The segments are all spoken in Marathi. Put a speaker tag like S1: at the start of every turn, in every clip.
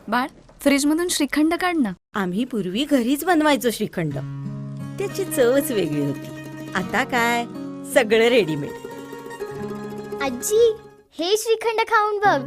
S1: बाळ, फ्रीज मधून श्रीखंड काढ ना.
S2: आम्ही पूर्वी घरीच बनवायचो श्रीखंड. त्याची चवच वेगळी होती. आता काय सगळं रेडीमेड.
S3: आजी, हे श्रीखंड खाऊन बघ.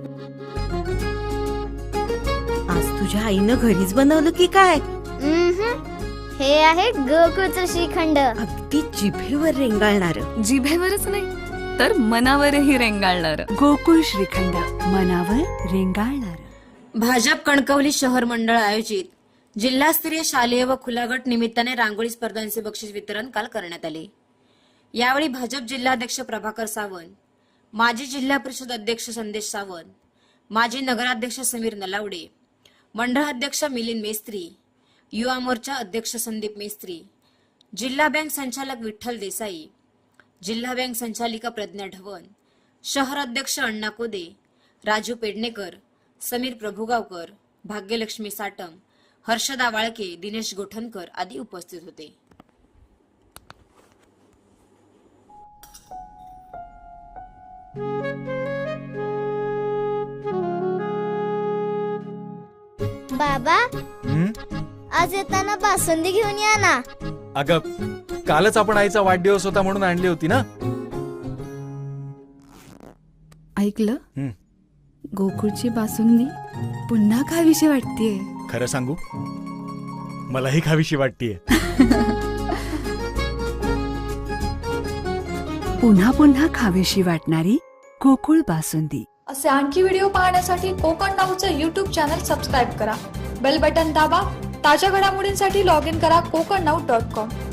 S2: आज तुझ्या आईनं घरीच बनवलं की काय?
S3: हे आहे गोकुळचं श्रीखंड.
S2: अगदी जिभेवर रेंगाळणार.
S1: जिभेवरच नाही तर मनावरही रेंगाळणार.
S4: गोकुळ श्रीखंड, मनावर रेंगाळणार.
S5: भाजप कणकवली शहर मंडळ आयोजित जिल्हास्तरीय शालेय व खुला गट निमित्ताने रांगोळी स्पर्धांचे बक्षीस वितरण काल करण्यात आले. यावेळी भाजप जिल्हाध्यक्ष प्रभाकर सावंत, माजी जिल्हा परिषद अध्यक्ष संदेश सावंत, माजी नगराध्यक्ष समीर नलावडे, मंडळाध्यक्ष मिलिंद मेस्त्री, युवा मोर्चा अध्यक्ष संदीप मेस्त्री, जिल्हा बँक संचालक विठ्ठल देसाई, जिल्हा बँक संचालिका प्रज्ञा ढवण, शहर अध्यक्ष अण्णा कोदे, राजू पेडणेकर, समीर प्रभुगावकर, भाग्यलक्ष्मी साटम, हर्षदा वाळके, दिनेश गोठणकर आदी उपस्थित होते.
S3: बाबा, आज येताना बासुंदी घेऊन या ना.
S6: अगं, कालच आपण आईचा वाढदिवस होता म्हणून आणली होती ना.
S1: ऐकलं, गोकुळची बासुंदी पुन्हा खावीशी वाटतेय.
S6: खरं सांगू, मलाही खावीशी वाटतीये.
S4: पुन्हा पुन्हा खावीशी वाटणारी गोकुळ बासुंदी.
S7: असे आणखी व्हिडिओ पाहण्यासाठी कोकण नाऊचं यूट्यूब चॅनल सबस्क्राईब करा. बेल बटन दाबा. ताज्या घडामोडींसाठी लॉग इन करा kokarnaut.com.